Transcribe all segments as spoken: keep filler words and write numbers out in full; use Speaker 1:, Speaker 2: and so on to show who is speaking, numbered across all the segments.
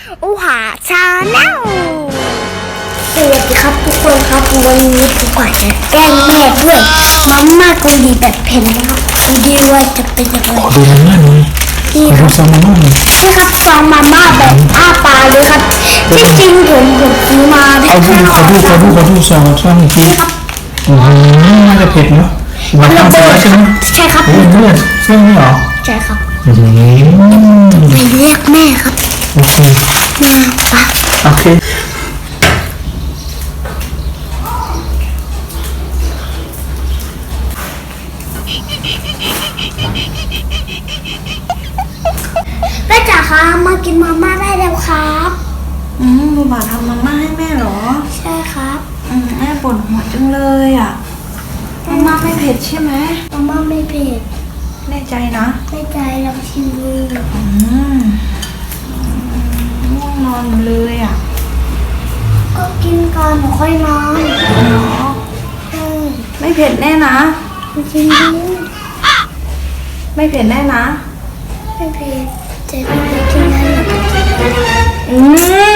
Speaker 1: อูหาชาแนลสวัสดีครับทุกคนครับวันนี้ผมก็จะแกล้งแม่ด้วยมาม่าเกาหลีแบบเผ็ดนะครับดูดีว่าจะเป็นยังไง
Speaker 2: ขอดูมาม่าหน่อยขอดูซองมาม่าหน่อย
Speaker 1: นี่ครับซองมาม่าแบบอ้าปากเลยครับที่จริงผมผมซื้อมา
Speaker 2: เอาดูขอดูขอดูขอดูซองซองอีกทีอืมน่าจะเผ็ดเนาะมันทำเสร็จแล้วใช่ไหม
Speaker 1: ใช่ครับ
Speaker 2: โอ้ยเลือดเส้นนี่หรอ
Speaker 1: ใช่ครับ
Speaker 2: อืม
Speaker 1: ไปเรียกแม่ครับ
Speaker 2: โอเค
Speaker 1: มาปะ
Speaker 2: โอเค
Speaker 1: แม่จ๋าคะมากินมาม่าได้แล้วครับ
Speaker 3: อืมบูบาทำมาม่าให้แม่เหรอ
Speaker 1: ใช่ครับ
Speaker 3: อืมแม่ปวดหัวจังเลยอ่ะมาม่าไม่เผ็ดใช่ไหม
Speaker 1: มาม่าไม่เผ็ด
Speaker 3: แน่ใจนะ
Speaker 1: ไม่ใจลองชิมดู
Speaker 3: อืมง่วงนอนหมดเลยอ่ะ
Speaker 1: ก็กินก่อนหนูค่อยนอน
Speaker 3: เนาะ
Speaker 1: อืม
Speaker 3: ไม่เผ็ดแน่นะ
Speaker 1: มาชิมดู
Speaker 3: ไม่เผ็ดแน่นะ
Speaker 1: ไม่เผ็ดแต่ไม่เผ็ดกินได้หรอก
Speaker 3: อืม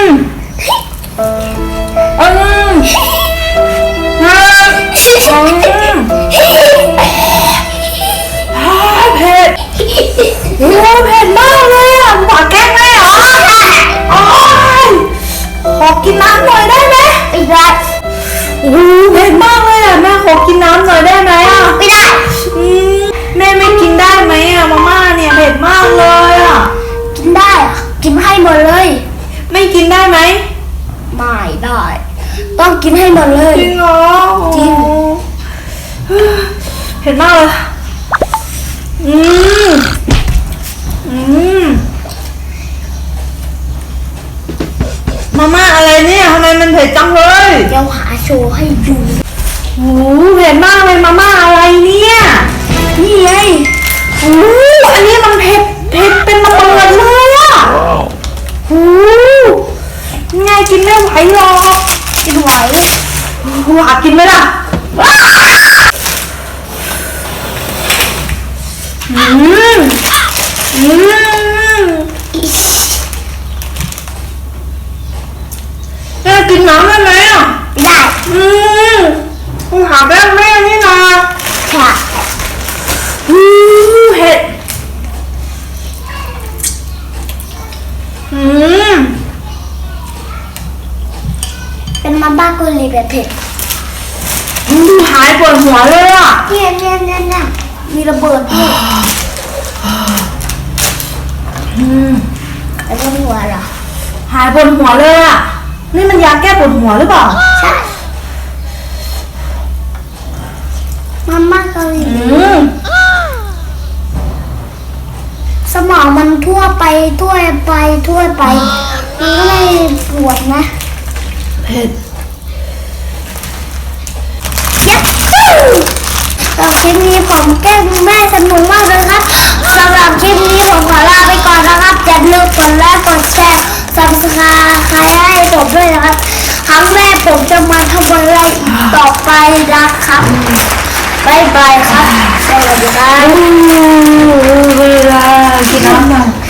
Speaker 3: อืมฮะอืมฮ่าเผ็ดโอ้เผ็ดมากเลยอ่ะบูบาแกล้งแม่เหรอโอ้ยขอกินน้ำหน่อยได้ไหม
Speaker 1: ไม่ได้
Speaker 3: โอ้โหเผ็ดมากเลยอ่ะแม่ขอกินน้ำหน่อยได้ไหมอ่ะ
Speaker 1: ไม่ได้
Speaker 3: อืมแม่ไม่กินได้ไหมอ่ะมาม่าเนี่ยเผ็ดมากเลยอ่ะ
Speaker 1: กินได้อะกินให้หมดเลย
Speaker 3: ไม่กินได้ไหม
Speaker 1: ไม่ได้ ต้องกินให้หมดเลย
Speaker 3: จริงเหรอ
Speaker 1: จริง
Speaker 3: โอ้เผ็ดมากเลยอืมอืมมาม่าอะไรเนี่ยทำไมมันเผ็ดจังเลย
Speaker 1: เดี๋ยวหาโชว์ให้ดู
Speaker 3: โอ้โหเผ็ดมากเลยมาม่าอะไรเนี่ยนี่ไงโอ้โหอันนี้มันเผ็ดเผ็ดเป็นระเบิดเลยอ่ะโอ้โหไงกินไม่ไหวหรอก
Speaker 1: กินไหว
Speaker 3: หวากินไหมล่ะอืมอืมแม่กินน้ำได้ไหมอ่ะ
Speaker 1: ได้
Speaker 3: อืมคุณหาแป้งแม่นี่นะ
Speaker 1: ค่ะ
Speaker 3: อืมเผ็ดอืม
Speaker 1: เป็นมาม่าเกาหลีแบบเผ็ด
Speaker 3: อืมหายปวดหัวเลยอ่ะ
Speaker 1: เนี่ยเนี่ยเนี่ยเนี่ยมีระเบิดด้วย
Speaker 3: อืม
Speaker 1: แล้วก็หัวเหรอ
Speaker 3: หายปวดหัวเลยอ่ะนี่มันยาแก้ปวดหัวหรือเปล่า
Speaker 1: ใช่มาม่าเกาหลี
Speaker 3: อืม
Speaker 1: สมองมันทั่วไปทั่วไปทั่วไปมันก็เลยปวดนะ
Speaker 3: เผ็ด
Speaker 1: ยัดฮู้สำหรับคลิปนี้ผมแกล้งแม่สนุกมากเลยครับสำหรับคลิปนี้ผมขอลาไปก่อนนะครับอย่าลืมกดไลค์กดแชร์ ซับสไครบ์ให้ผมด้วยนะครับครั้งแรกผมจะมาทำอะไรต่อไปนะครับบายบายครับสวัสดีครับ
Speaker 3: เวลากินน้ำหน่อย